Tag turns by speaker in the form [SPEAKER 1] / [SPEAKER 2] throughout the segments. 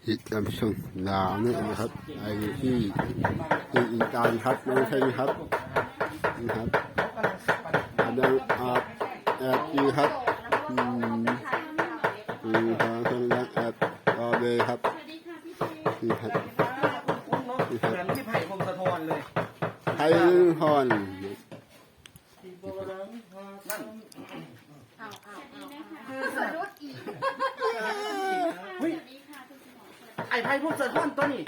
[SPEAKER 1] ฮิตลำชงดาวนี่นะครับไอ้ที่อีกการครับน้องใช่ไหมครับนี่ครับกำลังแอบอยู่ครับทางคนกำลังแอบรอเลยครับนี่ครับ
[SPEAKER 2] นี่ครับเหมือนพี่ไผ่พงศธรเลย
[SPEAKER 1] ไทยฮอน
[SPEAKER 2] นั่น
[SPEAKER 3] คือสะดุดอีก
[SPEAKER 2] ไอ้ไผ่พงศธรตัวนี้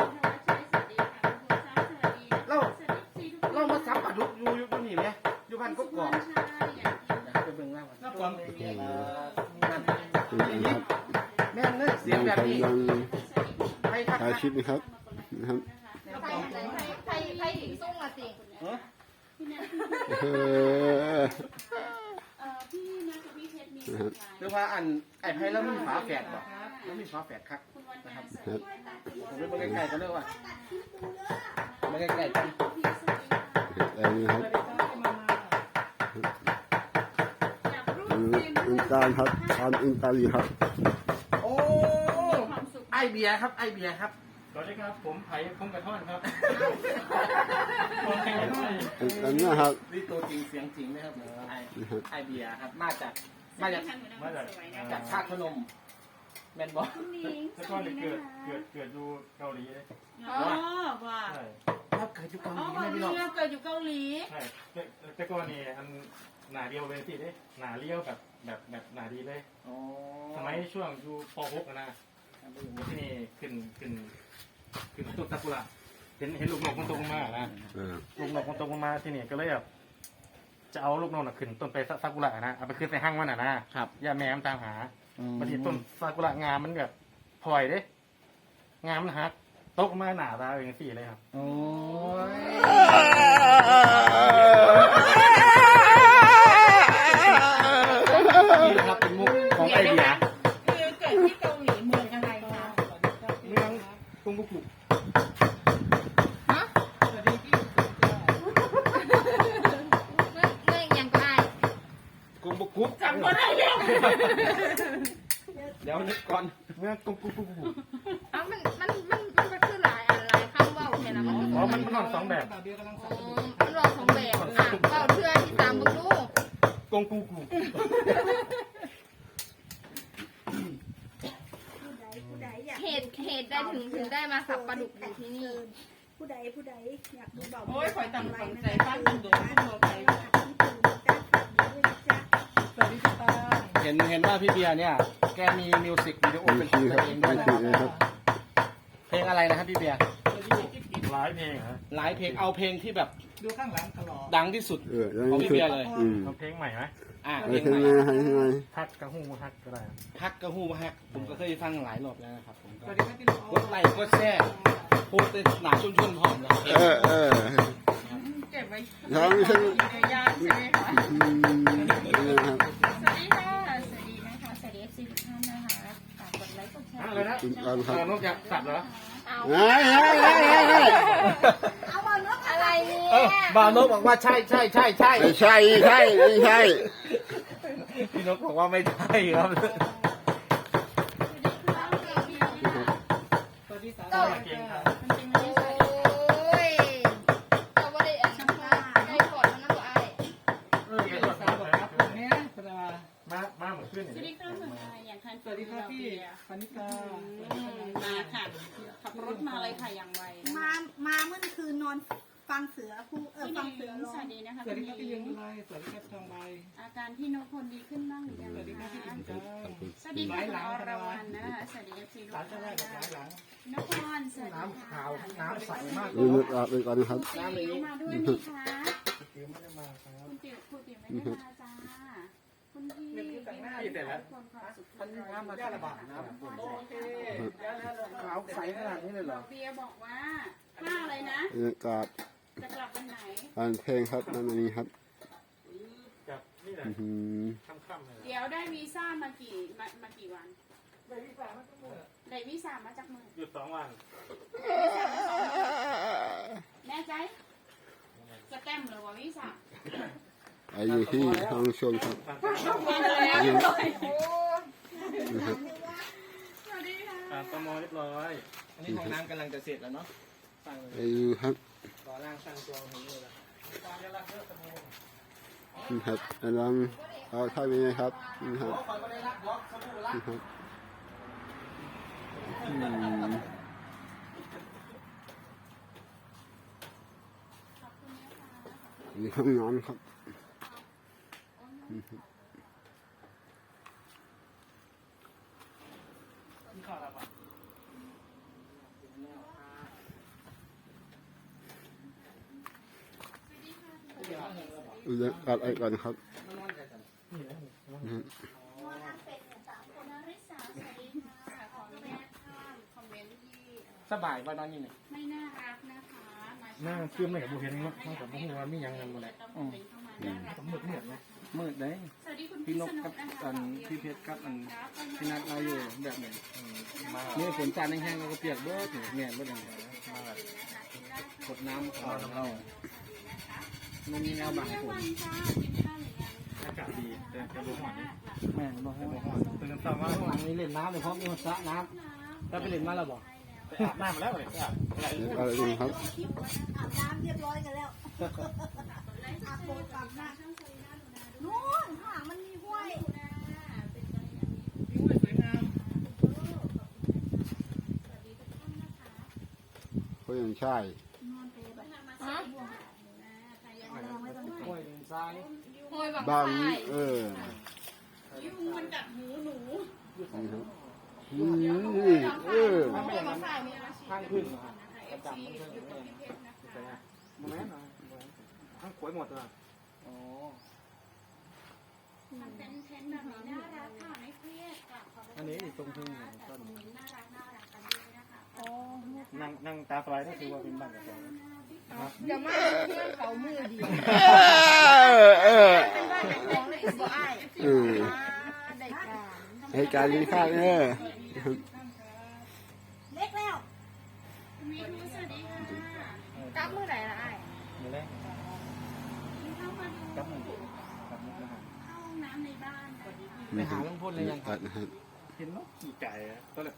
[SPEAKER 2] เรามาซับปลาดุกอยู่นี่ไหมอยู่บ้านกกอกไปเบิ่งล่างนั่นแม่นเลยเสียงแบบนี้
[SPEAKER 1] ไทยชิปนะครับนะครับ
[SPEAKER 3] ไทยถึงส่งละสิ
[SPEAKER 2] หรือว่าไอ้ไผ่แล้วมีฝาแฝดบ่แล้วมีฝาแฝดครับนะครับผมไปใกล้ๆกันเลยว่าไม่ใกล้ๆกัน
[SPEAKER 1] อันนี้ครับอินการครับตอนอินตาลีครับ
[SPEAKER 2] โอ้ไอเบียครับไอเบียครับ
[SPEAKER 4] สวัสดีครับผมไผ่พงกระท่อนครับ
[SPEAKER 1] อันนี้ครับ
[SPEAKER 2] นี่ตัวจริงเสียงจริงนะครับไอเบียครับมาจากชาติพนมแมนบอล
[SPEAKER 4] แล้วก็เกิดอยู่เกาหลีเลย
[SPEAKER 3] ว่า
[SPEAKER 2] ครับเกิดอยู่เกาหลี
[SPEAKER 3] ไม่พี่น้องเกิดอยู่เกาหลี
[SPEAKER 4] ใช่แต่ก็นี่อันหนาเดียวเลยสิเด้หนาเลี้ยวแบบหนาดีเลยสมัยช่วงอยู่ป .6 นะที่นี่ขึ้นต้นซากุระเห็นลูกนกมันตกมานะลูกนกมันตกมาที่นี่ก็เลยแบบจะเอาลูกนกขึ้นต้นไปซากุระนะเอาไปขึ้นใส่ห้างมันนะครับย่าแม่ตามหาบางทีต้นซากุระงามมันแบบพลอยเด้งามมันฮักตกมาหนาตาอย่างสี่เลยครับ
[SPEAKER 2] โอ้ยครับเป็นมุกของไอเดีย
[SPEAKER 3] คือเกิดที่เกาหลีเมืองอะไรคะ
[SPEAKER 4] เมืองกรุงบุกุ
[SPEAKER 3] ฮะเมืองยังไง
[SPEAKER 2] กรุงบุกุ
[SPEAKER 3] จำก็ได้เรื่อง
[SPEAKER 2] เดี๋ยวนึกก่อน
[SPEAKER 4] เมืองกรุงบุกุ
[SPEAKER 3] มันก็คือหลายคำว่าเห็นไหม
[SPEAKER 4] มันนอนสองแบบ
[SPEAKER 3] มันรอสองแบบเบาเทื่อที่ตามบุลูก
[SPEAKER 4] กรุงบุกุ
[SPEAKER 3] เหตุได้ถึงได้มาสับปลาดุกอยู่ที่นี่
[SPEAKER 5] ผู้ใดอยากดูเบา
[SPEAKER 3] โอ้ยคอยตั้งใจฟังดูดูไป
[SPEAKER 2] เห็นว่าพี่เบียร์เนี่ยแกมีมิวสิกวิดีโอเป็นของตัวเองด้วยนะครับเพลงอะไรนะครับพี่เบียร์
[SPEAKER 4] หลายเพลงฮะ
[SPEAKER 2] หลายเพลงเอาเพลงที่แบบ
[SPEAKER 5] ดูข้างหลังตลอด
[SPEAKER 2] ดังที่สุดของพี่เบียร์เลย
[SPEAKER 4] เอาเพลงใหม่ไหม
[SPEAKER 1] เพลงใหม่
[SPEAKER 4] ฮักกระหูฮักก็ได้
[SPEAKER 2] ฮักกระหูฮักผมก็เคยฟังหลายรอบแล้วนะครับผมกดไลค์กดแชร์โพสต์ในหนาชุ่มๆหอมนะ
[SPEAKER 3] เก็บไว้
[SPEAKER 1] น้องใช่ไหม
[SPEAKER 3] ย่างใช่ไหมคะสวัสดีค่ะสวัสดีนะคะสวัสดีFCทุกท่านนะคะฝากกดไลค์กดแชร์
[SPEAKER 4] อะไรนะนกอยากสับเหรอ
[SPEAKER 3] เอาบานกอะไรเนี่ย
[SPEAKER 2] บานกบอกว่าใช่พี่นกบอกว่าไม่ใช่ครับ
[SPEAKER 3] ก็เก่งค่ะโอ้ยเราไม่ได้แอบช่างว่าได้กดมันนะตัวไอ้
[SPEAKER 4] มาเหมือนขึ้น
[SPEAKER 3] สวัสดีค่ะเหมือนไงอย่างคัน
[SPEAKER 5] สวัสดีค่ะพี่ปณิกา
[SPEAKER 3] มาค่ะขับรถมาเลยค่ะอย่างไว
[SPEAKER 5] มาเมื่อคืนนอนฟังเสือฟังเสือร้อง
[SPEAKER 3] สวัสดีนะคะ
[SPEAKER 5] สวัสดีครับพี่ยังไรสวัสดีครับทองใบ
[SPEAKER 3] อาการพี่นกคนดีขึ้นบ้างหรือยัง
[SPEAKER 5] สวัสดีครับพี่อินจ้า
[SPEAKER 3] สวัสดีค่ะอรวรรณนะคะสวัสดีครับพี่นกนครสวัสดี
[SPEAKER 2] น้ำขาวน้ำใสมาก
[SPEAKER 1] เลยไปก่อนนะครับ
[SPEAKER 3] น้ำนี้มาด้วยไหมคะคุณติ๋วไม่ได้มาจ้าคุณพี่
[SPEAKER 2] แต่งหน้าอยู่แต่ละมันน้ำมาระบาดนะโอเคขาวใสขนาดนี้เลยเหรอ
[SPEAKER 3] เบียบอกว่าผ้าอะไรนะจะกลับวันไหน
[SPEAKER 1] เพลงครับนั่นนี้ครับ
[SPEAKER 4] กับนี่แหละค่ำๆเลย
[SPEAKER 3] เดี๋ยวได้วีซ่ามากี่วันได้วีซ่ามาจากมือ
[SPEAKER 4] หยุด2 วัน
[SPEAKER 3] แน่ใจจะแต้มหรือว่าวีซ่า
[SPEAKER 1] ไอ้ที่ห้องชมครับ
[SPEAKER 3] มาแล้ว
[SPEAKER 4] ผ่านตมเรียบร้อย
[SPEAKER 2] อันนี้ห้องน้ำกำลังจะเสร็จแล้วเนาะสร้างเลย
[SPEAKER 1] ไปดูครับ
[SPEAKER 2] รอร่างสร้างตัวของนี่แหละ
[SPEAKER 1] นี่ครับกำลังเอาท่านี้นะครับนี่ครับนี่ครับนี่ห้องนอนครับนี่ครับ ดูแลการอะไรก่อนครับ
[SPEAKER 3] คุณนริสาสวัสดีค่ะขออนุญาตข้ามคอมเมนต์ที่
[SPEAKER 2] สบายว่านอนนี่เนี่ย
[SPEAKER 3] ไม่น่ารักนะคะมา
[SPEAKER 4] หน้าเชื่อมไม่กับบุเห็นเนาะเท่ากับบุหัวมีอย่างนั้นหมดเลย
[SPEAKER 3] ต้องเป็นเข้ามาน่ารัก
[SPEAKER 4] สมมืดเนี่ยนะ
[SPEAKER 2] มืดเลย
[SPEAKER 3] สวัสดีคุณ
[SPEAKER 2] พี่
[SPEAKER 3] พี่
[SPEAKER 2] น
[SPEAKER 3] ส
[SPEAKER 2] ก
[SPEAKER 3] นุ
[SPEAKER 2] กั
[SPEAKER 3] ก
[SPEAKER 2] บ
[SPEAKER 3] นะคะ
[SPEAKER 2] อันพี่เพชรกับอันพี่นัดเราอยู่แบบนี้นี่ฝนจานแห้งๆเราก็เปียกเบิดเนี่ยเบิดอย่างเงี้ยกดน้ำขอเรามันมีแนวบางฝน
[SPEAKER 4] อากาศดีแต่บุหัวนี่
[SPEAKER 2] แม่บอกให้
[SPEAKER 4] บุ
[SPEAKER 2] ว่า
[SPEAKER 4] หัวตื่นเช้ามา
[SPEAKER 2] มีเล่นน้ำเลยเพราะมีสระน้ำถ้าไปเล่นมาแล้วบอก
[SPEAKER 4] ไปอาบน้ำมาแล้วเลยอาบอะไร
[SPEAKER 1] เดี๋ยวอะไรดูครับ
[SPEAKER 5] อาบน้ำเรียบร้อยกันแล้วอาบโบกอาบน้ำนู่นข้างหลังมันมีห้วย
[SPEAKER 1] ก็ยังใช่
[SPEAKER 2] ห้วยทราย
[SPEAKER 3] โอยบัง
[SPEAKER 1] บาง
[SPEAKER 3] ไฟ
[SPEAKER 5] ยุงมันกัดหูหนู
[SPEAKER 1] นี่ครับเออ
[SPEAKER 2] ถ้าไม่อย่างนั้น
[SPEAKER 5] ฝ่ายมีอาชีพ
[SPEAKER 2] ข้างขึ้นนะครับ
[SPEAKER 5] เอฟซีอยู่กับพี่เพชรนะคะ
[SPEAKER 2] โมเมนต์หน่อย
[SPEAKER 4] ทั้งขวยหมดเลย
[SPEAKER 2] อ๋อ
[SPEAKER 3] มันเป็นเทนแบบนี้น่ารักค่ะไม่เครียดค่ะ
[SPEAKER 2] อันนี้ตรงพึ่งต้น
[SPEAKER 3] น่ารักกันด้วยนะคะ
[SPEAKER 4] นั่งตาสบายก็คือว่าเป็นบ้านกับเรา
[SPEAKER 5] อย่ามาเพื่อนเขามือดี
[SPEAKER 1] เออ
[SPEAKER 5] เป็นบ้านของเลยบ่อ้าย
[SPEAKER 1] เออ
[SPEAKER 5] ได้การ
[SPEAKER 1] ให้การลิ้นข้างเออ
[SPEAKER 5] เล็กแล้ว
[SPEAKER 3] มีทูสวัสดีค่ะ
[SPEAKER 5] กลับมือไหนล่ะอ้าย
[SPEAKER 2] มาเลย
[SPEAKER 3] เข้ามาดู
[SPEAKER 2] กับมันกับมันนะฮะ
[SPEAKER 3] เข้าห้องน้ำในบ้านนะ
[SPEAKER 2] ไปหาลุงพลเลยยังครับ
[SPEAKER 1] นะครับ
[SPEAKER 4] เห็นนกขี่ไก่ก็เลยไป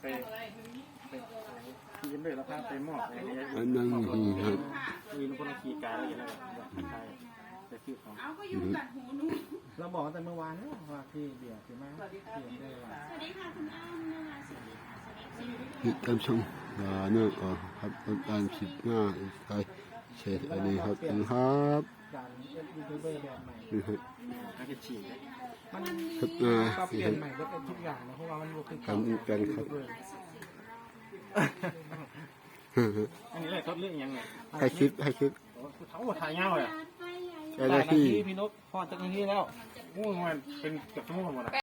[SPEAKER 4] ขี่เลยแล้วพาไปมอบอะไรเงี้ย
[SPEAKER 1] อันนั้นนี่ครับ
[SPEAKER 4] มีคนขี่ไก่อะไรอย่างเงี้ยใช่ไปซื้อของ
[SPEAKER 3] เอาก็ยุงกัดหูหนู
[SPEAKER 2] เราบอกตั้งแต่เมื่อวานแล้วว่าพี่เบียร์พี่มาพี่ได้ว่า
[SPEAKER 3] สวัสดีค่ะคุณอ้อมนะคะสวัสดีค่ะสวัสดีค่ะ
[SPEAKER 1] ติดตามชมเนื่องครับการคลิปหน้าอีกใครเช็ดอันนี้ครับครับ
[SPEAKER 2] การเป็นยูทูบเบอร์แบบใหม่
[SPEAKER 1] นี่ครับ
[SPEAKER 4] น่าจะฉี่
[SPEAKER 2] มัน
[SPEAKER 1] ครับ
[SPEAKER 2] ก็เปลี่ยนใหม่ก็เป็นทุกอย่างนะเพราะว่ามันรู้คือ
[SPEAKER 1] กันกันครับ
[SPEAKER 4] อันนี้เลยทดเรื่องยังไง
[SPEAKER 1] ให้คลิปให้คลิป
[SPEAKER 4] ทั้งหมดถ่ายเงาเลย
[SPEAKER 1] เจ้าหน้าที่
[SPEAKER 2] พี่นกพอจากที่แล้ว
[SPEAKER 4] งูมันเป็นเกือบชั่วโมงหมด